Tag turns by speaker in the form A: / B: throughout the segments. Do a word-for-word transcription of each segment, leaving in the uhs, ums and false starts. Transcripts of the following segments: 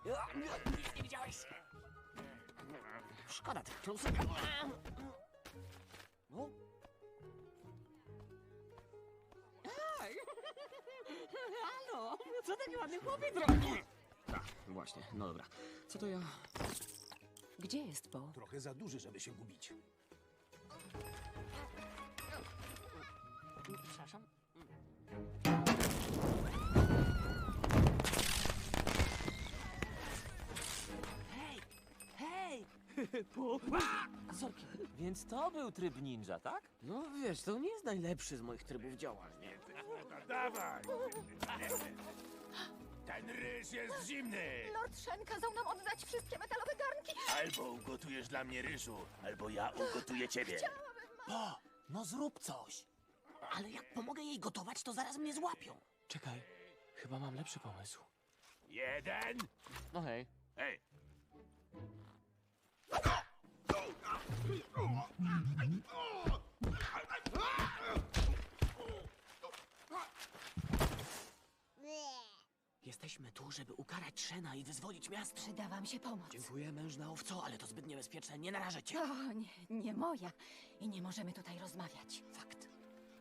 A: Nic nie widziałeś. Szkoda tych klusek. No. Aj. Halo, co taki ładny chłopiec robi? Tak, właśnie, no dobra. Co to ja?
B: Gdzie jest Bo?
C: Trochę za duży, żeby się gubić.
A: Przepraszam. Hej! Hej! Po... Zorki.
D: Więc to był tryb ninja, tak?
A: No wiesz, to nie jest najlepszy z moich trybów działania.
C: Dawaj! Ten ryż jest zimny!
E: Lord Shen kazał nam oddać wszystkie metalowe garnki.
C: Albo ugotujesz dla mnie ryżu, albo ja ugotuję ciebie.
A: O, no zrób coś. Ale jak pomogę jej gotować, to zaraz mnie złapią.
D: Czekaj, chyba mam lepszy pomysł.
C: Jeden!
D: No hej.
C: Hej!
A: Jesteśmy tu, żeby ukarać Shena i wyzwolić miasto.
E: Przyda wam się pomoc.
A: Dziękuję, mężna owco, ale to zbyt niebezpieczne. Nie narażę cię.
E: O, nie, nie moja. I nie możemy tutaj rozmawiać.
A: Fakt.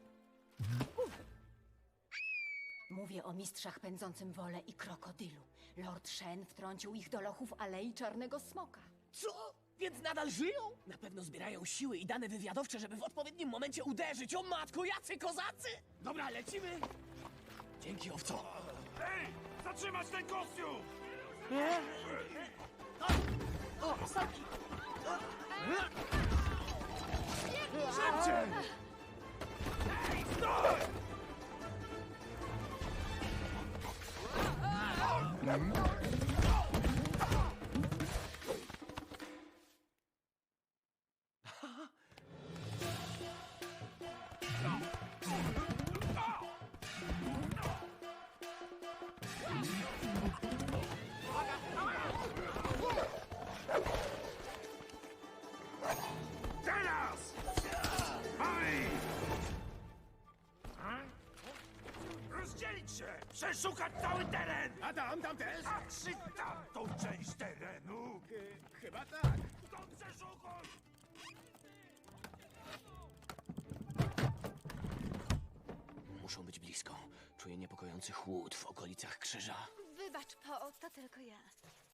E: Mówię o mistrzach pędzącym wolę i krokodylu. Lord Shen wtrącił ich do lochów Alei Czarnego Smoka.
A: Co? Więc nadal żyją? Na pewno zbierają siły i dane wywiadowcze, żeby w odpowiednim momencie uderzyć. O matko, jacy kozacy! Dobra, lecimy. Dzięki, owco.
C: Ej! Zatrzymać ten kostium!
A: O, Saki!
C: Szybciej! Ej, stój! Teraz! Oj! Rozdzielić się! Przeszukać cały teren! A tam, tam też? A czy tamtą część terenu? Chyba tak. To przeszukuj!
A: Muszą być blisko. Czuję niepokojący chłód w okolicach krzyża.
E: Wybacz, Po, to tylko ja.